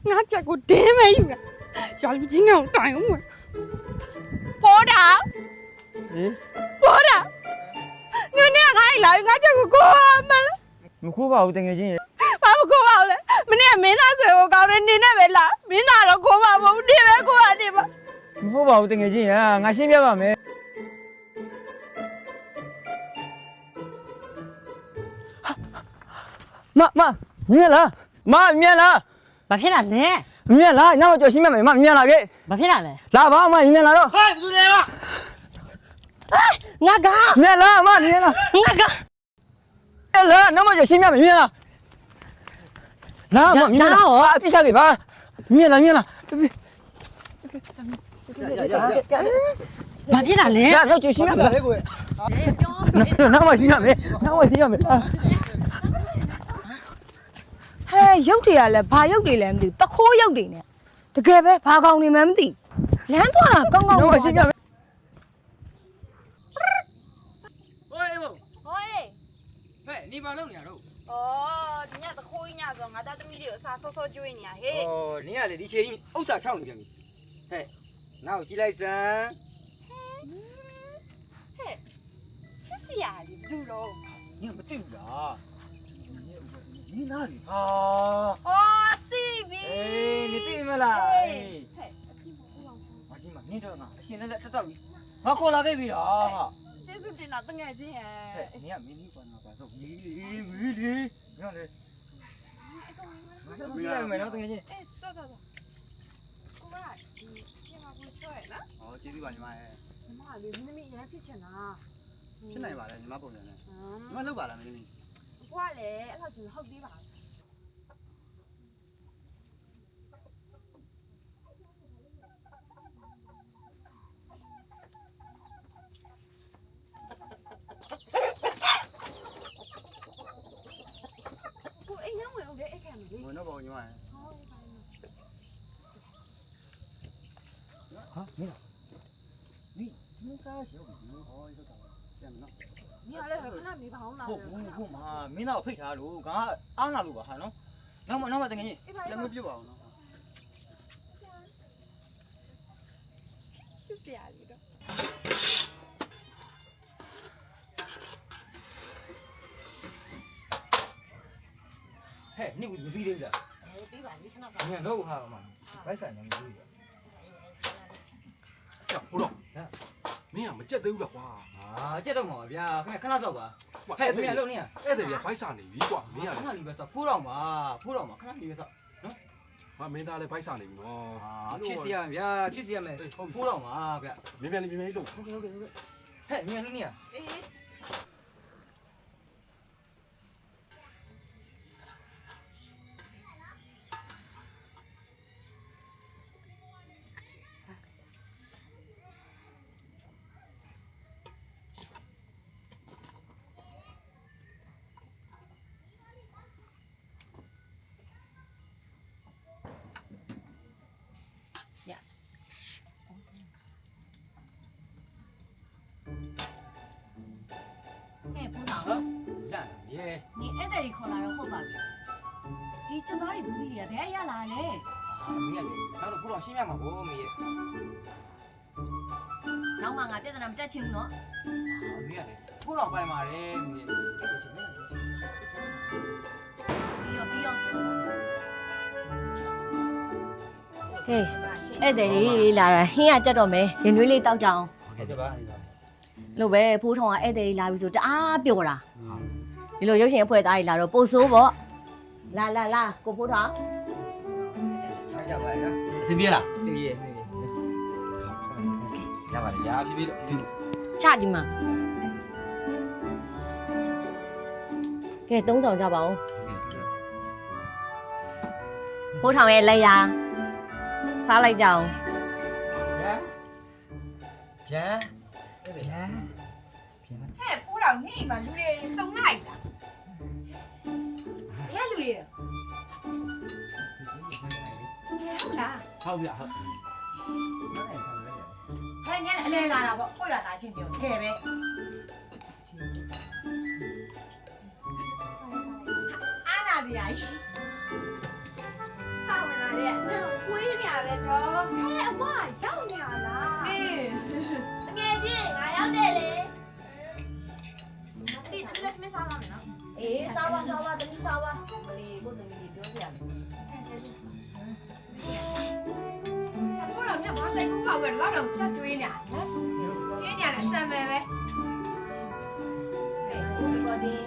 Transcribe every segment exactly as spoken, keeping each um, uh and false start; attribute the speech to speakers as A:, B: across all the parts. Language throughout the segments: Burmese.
A: ငါချက်ကိုတင်းမဲယူတာရွာလူကြီးငါ့ကိုတိုင်အောင်ပေါ်တာဟင်ပေါ်တာနင်းနဲ့ငါ့လာငါချက်ကိုကိုမလားမခိုးပါဘူးတကယ်ချင်းဘာမခိုးပါဘူးလဲမင်းကမင်းသားဆွေကိုကောင်းတယ်နေနဲ့ပဲလားမင်းသားတော့ခိုးပါမဟုတ်နေပဲကိုကနေပါမဟုတ်ပါဘူးတကယ်ချင်းရငါရှင်းပြပါမယ်မမမြင်လားမမြင်လားဘာဖြစ်လာလဲမြင်လားနောက်ကြော်ရှင်းပြမယ်မမြင်လားကဲဘာဖြစ်လာလဲလာပါမမြင်လားတော့ဟဲ့ဘယ်သူလဲမငါကမြင်လားမမြင်လားငါကအဲ့လားနောက်ကြော်ရှင်းပြမယ်မြင်လားလာမမြင်လားအပြစ်စားကြပါမြင်လားမြင်လားဘာဖြစ်လာလဲနောက်ကြော်ရှင်းပြမယ်လေကိုပြောနောက်မှရှင်းရမယ်နောက်မှရှင်းရမယ်ဟဲ့ရုပ်တွေကလည်းဘာရုပ်တွေလဲမသိဘူးတခိုးရုပ်တွေနဲ့တကယ်ပဲဘာကောင်နေမှမသိလမ်းသွားတာကောင်းကောင်းပါရှင်းပြမယ်ဟိုးဟိုးဟိုးဟဲ့နေပါလို့နေရတော့ဩဒီညတခိုးကြီးညဆိုငါသားသမီးတွေကိုအစာဆော့ဆော့ကျွေးနေရဟဲ့ဩနင်ကလေဒီချိန်ဥစ္စာချောက်နေပြန်ပြီဟဲ့နောက်ကြည့်လိုက်စမ်းဟဲ့ချစ်စရာကြီးဘယ်လိုတော့ညမသိဘူးလား你哪里啊？哦，对比。哎，你对没啦？哎，我今嘛，你这呢？现在这到底，我过来这边啊。这是电脑等眼睛哎。你也没你管那把手，你你你你，你看这。不是没了等眼睛。哎，走走走。过来，你电话不出来了？哦，接对吧你妈哎。你妈的，你那边也骗钱呐？骗哪一把的？你妈包人呢？你妈六把了没你？我嘞，那就是好几把。我哎，那我我给哎看没？我那包你妈。啊，没了。你你啥时候？哦，这个，这样子。你那来看那没跑哪？不不不嘛，没那配啥路，刚俺那路吧，还能，那么那么等你，两个比吧，呢。就是这样的。嘿，你不是比的？哎，比吧，你看那个。你看都看了嘛，白山那个比的。这胡弄，မင်းကမကြက်သေးဘူးလားကွာအာကြက်တော့မှာဗျာခင်ဗျခဏစောက်ပါဟဲ့မင်းလုံးနေရအဲ့ဒါပြဘိုက်စာနေပြီကွာမင်းကခဏလေးပဲစောက်ဖိုးတော့မှာဖိုးတော့မှာခဏလေးပဲစောက်နော်ဟာမင်းသားလည်းဘိုက်စာနေပြီနော်အာဖြစ်စီရဗျာဖြစ်စီရမယ်ဖိုးတော့မှာဗျာမင်းပြန်လေးမင်းလေးလုံးဟုတ်ကဲ့ဟုတ်ကဲ့ဟဲ့မင်းလုံးနေရအေး你အဲ့ဒါကြီးခေါ်လာတော့ဟုတ်ပါပြီဒီကျသားတွေဘူးကြီးရဘယ်ရလာလဲအာမင်းကလေနောက်တော့ဘုရားရှင်းရမှာကိုမင်းရဲ့နောက်မှငါပြဿနာမတက်ချင်ဘူးနော်အာမင်းကလေဘုရားပိုင်ပါတယ်မင်းရဲ့ပြီးရောပြီးရောဟေးအဲ့ဒါကြီးလာဟင်းကကြက်တော့မယ်ရင်သွေးလေးတောက်ကြအောင်ဟုတ်ကဲ့ပါလို့ပဲဖိုးထောင်ကအဲ့ဒါကြီးလာပြီဆိုတအားပျော်တာဒီလိုရုပ်ရှင်အဖွဲ့သားကြီးလာတော့ပို့ဆိုးပေါ့လာလာလာကိုဖိုးထောင်ချာကြပါရဲ့အစီပြေလားအစီပြေအစီပြေရပါလေရာဖြည်းဖြည်းလို့ချဒီမှာကဲသုံးဆောင်ကြပါဦးဖိုးထောင်ရဲ့လက်ရာစားလိုက်ကြအောင်ဗျာဗျာဟဲ့ဖိုးထောင်နေမှာလူတွေစုံလိုက်တာဘယ်လူတွေဟုတ်လားဟုတ်ဗျာဟုတ်ဟဲ့ညနေအလဲလာတာပေါ့ကိုရတာချင်းပြောထဲပဲအာနာဒီယာစောင်းလာတဲ့
B: ရဲ့အနောက်ဝေးနေရပဲတော့ဟဲ့အမရောက်နေရလားအေးငယ်ချင်းငါရောက်တယ်လေဒီတမီးလည်းမစားတော့နော်အေးစားပါစားပါတမီးစားပါမလီကိုတမီးကြီးပြောပြရစီဘောတော့မြတ်ဘာဆိုင်ကူပါဝဲလောက်တော့ချက်ကျွေးနေဟမ်ကျွေးနေရတယ်ရှမ်းမယ်ပဲဟဲ့ဒီကောဒီ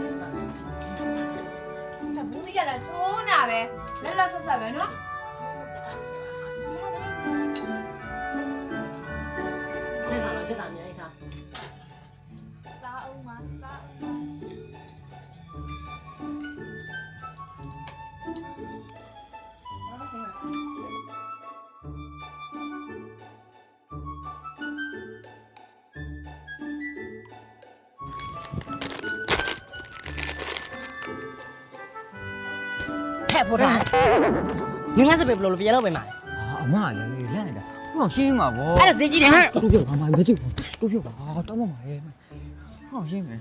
B: ချက်ဘူးကြီးရလာချိုးနာပဲလက်လက်ဆက်ဆက်ပဲနော်နေစားတော့ချက်တာများစားစားအောင်မစားဟဲ့ဖိုးတာငင်းငါစပယ်ဘလို့ပြန်လို့ပဲမှာအမလည်းလက်နေတာဟောရှင်းမှာဗောအဲ့ဒါဈေးကြီးတယ်ဟဲ့တူပြောပါမမတူတူပြောပါတောင်းမမှာရဲ့ဟောရှင်းမယ်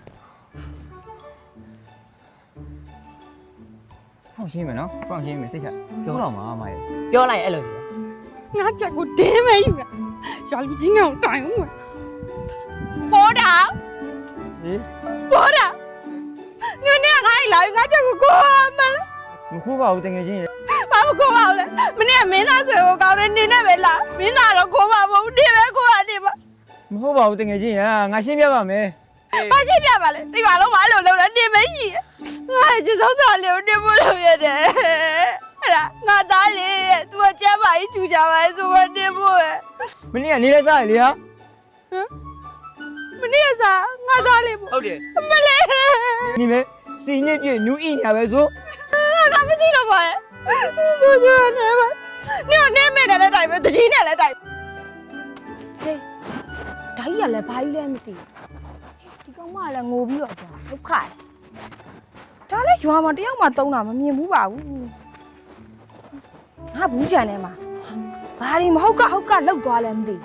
B: ဟောရှင်းမယ်နော်ဟောရှင်းမယ်စိတ်ချပြောတော့မှာမရဲ့ပြောလိုက်အဲ့လို
A: ငါချက်ကိုတင်းမဲယူတာရွာလူကြီးငါ့ကိုတိုင်အောင်ဘောတာဟင်ဘောတာညနေကခိုင်းလာငါချက်ကိုကိုမလား
C: မခိုးပါဘူးတကယ်ချင်းရ
A: ဘာမကိုပါလဲမနေ့ကမင်းသားဆွေကိုကောင်းနေနေနဲ့ပဲလားမင်းသားတော့ကိုမမဟုတ်ဒီပဲကိုကနေပါ
C: မဟုတ်ပါဘူးတကယ်ချင်းရငါရှင်းပြပါမယ်
A: ဘာရှင်းပြပါလဲဒီမှာလုံးမအဲ့လိုလုံးတော့နေမရှိငါကျေစုံးစားလေးကိုနေဖို့လုပ်ရတယ်အဲ့ဒါငါသားလေးရဲ့သူကကျမ်းပါကြီးချူကြပါလေဆိုတော့နေဖို့ရဲ့
C: မနေ့ကနေလဲစားရလေဟာ
A: ဟမ်မနေ့ကစားငါသားလေး
C: ဟုတ်တယ်
A: မလေး
C: ဒီမဲစီညစ်ပြနူးအိညာပဲဆို
A: ငါမသိတော့ပါရဲ့ဘိုးကျော်နေပါနေနေမဲ့တယ်လည်းတိုင်ပဲတကြီးနဲ့လည်းတိုင်ဟေးဓာကြီးကလည်းဘာကြီးလဲမသိဒီကောင်မလည်းငိုပြီးတော့ကြာဒုက္ခဒါလည်းရွာမှာတယောက်မှတုံးတာမမြင်ဘူးပါဘူးငါဘူးချန်ထဲမှာဘာဒီမဟုတ်ကဟုတ်ကလောက်သွားလဲမသိ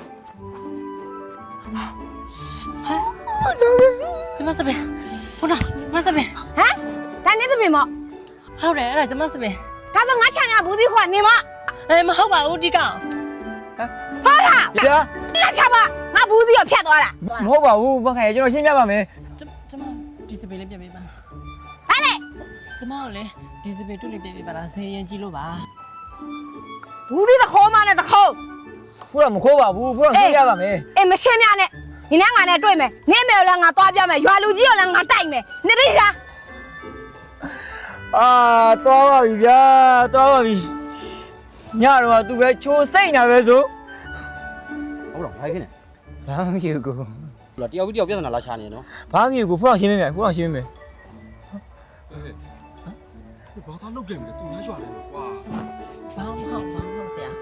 D: ဟမ်ကျမစပင်ဘုရားမစပင်
B: ဟမ်ဒါနဲ့စပင်မော့
D: ဟုတ်တယ်အဲ့ဒါကျမစပင်
B: ဒါဆိုငါချန်ရဘူးသေးခွာနေမ
D: အေးမဟုတ်ပါဘူးဒီကောင်
B: ဟာတာ
C: ဗျာ
B: လက်ချပါငါဘူးသေးရဖြတ်သွားတာ
C: မဟုတ်ပါဘူးဘာခိုင်ကျွန်တော်ရှင်းပြပါမယ်
D: ကျမဒီစပင်လေးပြပေးပါ
B: ဟာလေ
D: ကျမကိုလေဒီစပင်တွလေးပြပေးပါလားဈေးရင်ကြည့်လို့ပါ
B: ဘူးသေးသခေါ်မနဲ့သခေါ်
C: ဘုရားမခိုးပါဘူးဘုရားရှင်းပြပါမယ်
B: အေးမရှင်းပြနဲ့ဒီနေ့ငါနဲ့တွေ့မယ်နေမယ်လည်းငါသွားပြမယ်ရွာလူကြီးရောလည်းငါတိုက်မယ်နေသိလား
C: အာသွားပါပြီဗျာသွားပါပြီညတော့သူပဲချိုးစိတ်နေပဲဆို
E: ဟုတ်တော့ဘာဖြစ်နေ
C: ဘာမှမဖြစ်ဘူးကို
E: တယောက်ပြီးတယောက်ပြဿနာလာချနေနော်
C: ဘာမှမဖြစ်ဘူးဘုရားရှင်းပေးမယ်ဘုရားရှင်းပေးမယ်
E: ဘာသာလုပ်ခဲ့မလဲသူများရွာလဲကွာ
D: ဘာမှမဟုတ်ဘာမှမဟုတ်ဆရာ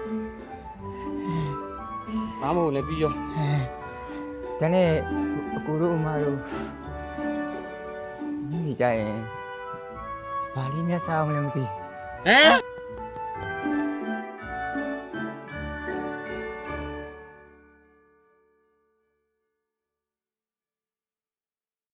E: ဘာမှမဟုတ်လည်းပြီးရော
C: ဒါနဲ့အကိုတို့အမတို့ညီနေကြရင်ဘာလေးမျက်စားအောင်လည်းမသိ
E: ဟမ်